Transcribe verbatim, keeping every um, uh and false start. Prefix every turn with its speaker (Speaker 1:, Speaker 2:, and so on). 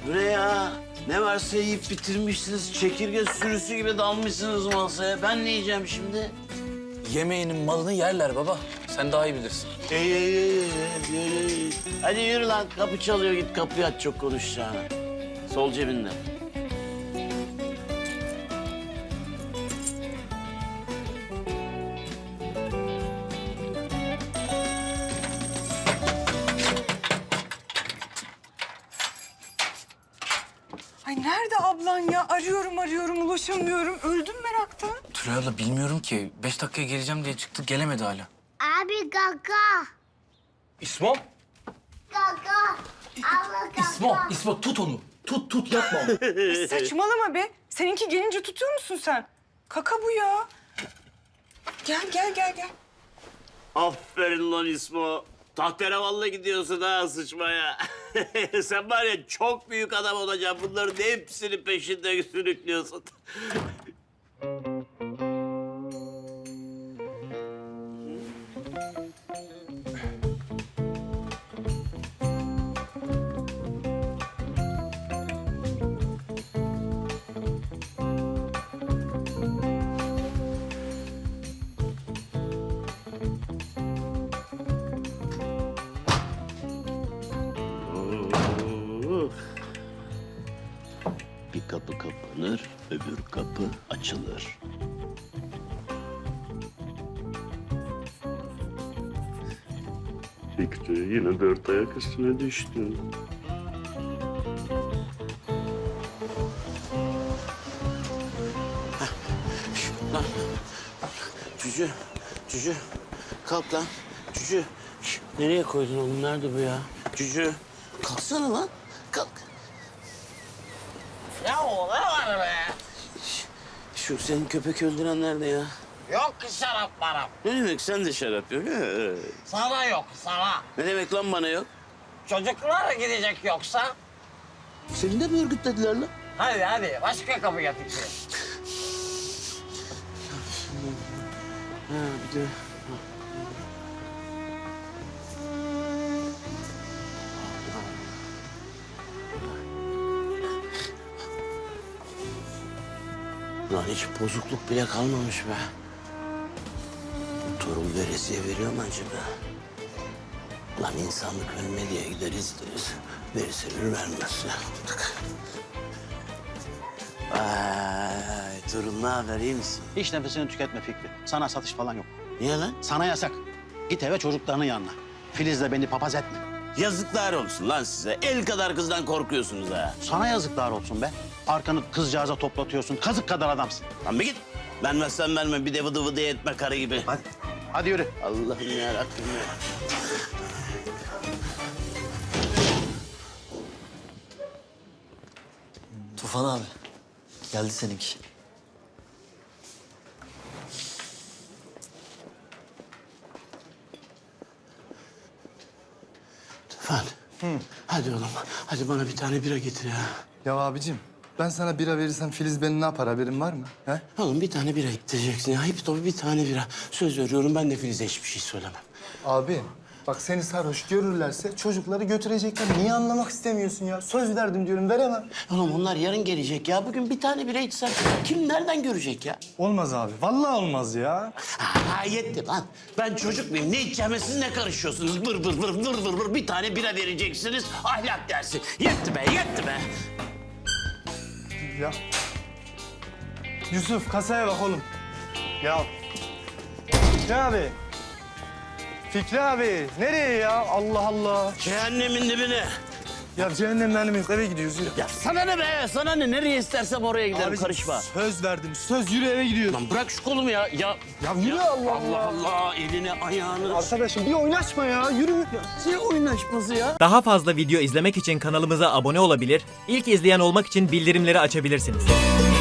Speaker 1: Bu ne ya? Ne varsa yiyip bitirmişsiniz. Çekirge sürüsü gibi dalmışsınız masaya. Ben ne yiyeceğim şimdi?
Speaker 2: Yemeğinin malını yerler baba. Sen daha iyi bilirsin.
Speaker 1: Ey, ey, ey, ey, ey, ey. Hadi yürü lan. Kapı çalıyor. Git kapıyı aç, çok konuşacağına. Sol cebinde.
Speaker 3: Ay nerede ablan ya? Arıyorum arıyorum ulaşamıyorum. Öldüm meraktan.
Speaker 2: Tülay abla bilmiyorum ki. Beş dakikaya geleceğim diye çıktı. Gelemedi hala.
Speaker 4: Abi kaka.
Speaker 2: İsmo?
Speaker 4: Kaka. Abla kaka.
Speaker 2: İsmo, İsmo tut onu. Tut, tut yapma onu.
Speaker 3: Saçmalama be. Seninki gelince tutuyor musun sen? Kaka bu ya. Gel gel gel gel.
Speaker 1: Aferin lan İsmo. Tahterevallı gidiyorsun ha sıçmaya. Sen var ya çok büyük adam olacaksın. Bunların hepsini peşinde sürüklüyorsun. Bir kapı kapanır, öbür kapı açılır. Fikri yine dört ayak üstüne düştü. Lan, cücü, cücü, kalk lan, cücü. Şş, nereye koydun oğlum, nerede bu ya? Cücü, kalksana lan, kalk.
Speaker 5: Ya o ne var be?
Speaker 1: Şu senin köpek öldüren nerede ya?
Speaker 5: Yok ki şarap marap.
Speaker 1: Ne demek sen de şarap yok? He.
Speaker 5: Sana yok, sana.
Speaker 1: Ne demek lan bana yok?
Speaker 5: Çocuklar gidecek yoksa?
Speaker 1: Seni de mi örgütlediler lan?
Speaker 5: Hadi hadi, başka kapı getir.
Speaker 1: Ha bir de... Lan hiç bozukluk bile kalmamış be. Bu torun veresiye veriyor mu acaba? Lan insanlık ölme diye gideriz deriz. Verirse verir, vermezse. Vay torun ne haber, iyi misin?
Speaker 6: Hiç nefesini tüketme Fikri. Sana satış falan yok.
Speaker 1: Niye lan?
Speaker 6: Sana yasak. Git eve çocuklarının yanına. Filiz'le beni papaz etme.
Speaker 1: Yazıklar olsun lan size. El kadar kızdan korkuyorsunuz ha.
Speaker 6: Sana yazıklar olsun be. Arkanı kızcağıza toplatıyorsun. Kazık kadar adamsın.
Speaker 1: Lan bir git. Vermezsen verme, bir de vıdı vıdı etme karı gibi.
Speaker 6: Hadi. Hadi yürü.
Speaker 1: Allah'ım yarabbim ya.
Speaker 7: Tufan abi. Geldi seninki.
Speaker 1: Tufan. Hadi oğlum. Hadi bana bir tane bira getir ya.
Speaker 8: Ya abicim ben sana bira verirsem Filiz beni ne yapar, haberin var mı? He?
Speaker 1: Oğlum bir tane bira getireceksin ya. Hep tabii bir tane bira. Söz veriyorum, ben de Filiz'e hiçbir şey söylemem.
Speaker 8: Abi bak seni sarhoş görürlerse çocukları götürecekler. Niye anlamak istemiyorsun ya? Söz verdim diyorum, veremem.
Speaker 1: Oğlum onlar yarın gelecek ya. Bugün bir tane bira içsem kim nereden görecek ya?
Speaker 8: Olmaz abi. Vallahi olmaz ya.
Speaker 1: Ha yetti lan. Ben çocuk muyum? Ne içeceğime siz ne karışıyorsunuz? Vır vır vır vır vır vır. Bir tane bira vereceksiniz. Ahlak dersi. Yetti be, yetti be.
Speaker 8: Ya. Yusuf kasaya bak oğlum. Ya. Fikri abi. Fikri abi. Nereye ya? Allah Allah.
Speaker 1: Cehennemin dibine.
Speaker 8: Ya cehennemden yok, eve gidiyoruz, yürü.
Speaker 1: Ya sana ne be? Sana ne? Nereye istersem oraya giderim.
Speaker 8: Abicim,
Speaker 1: Karışma.
Speaker 8: söz verdim. Söz, yürü eve gidiyoruz.
Speaker 1: Lan bırak şu kolumu ya. Ya,
Speaker 8: Ya yürü Allah
Speaker 1: Allah Allah. Eline ayağını.
Speaker 8: Arkadaşım bir oynaşma ya. Yürü.
Speaker 1: Ne oynaşması ya?
Speaker 9: Daha fazla video izlemek için kanalımıza abone olabilir, ilk izleyen olmak için bildirimleri açabilirsiniz.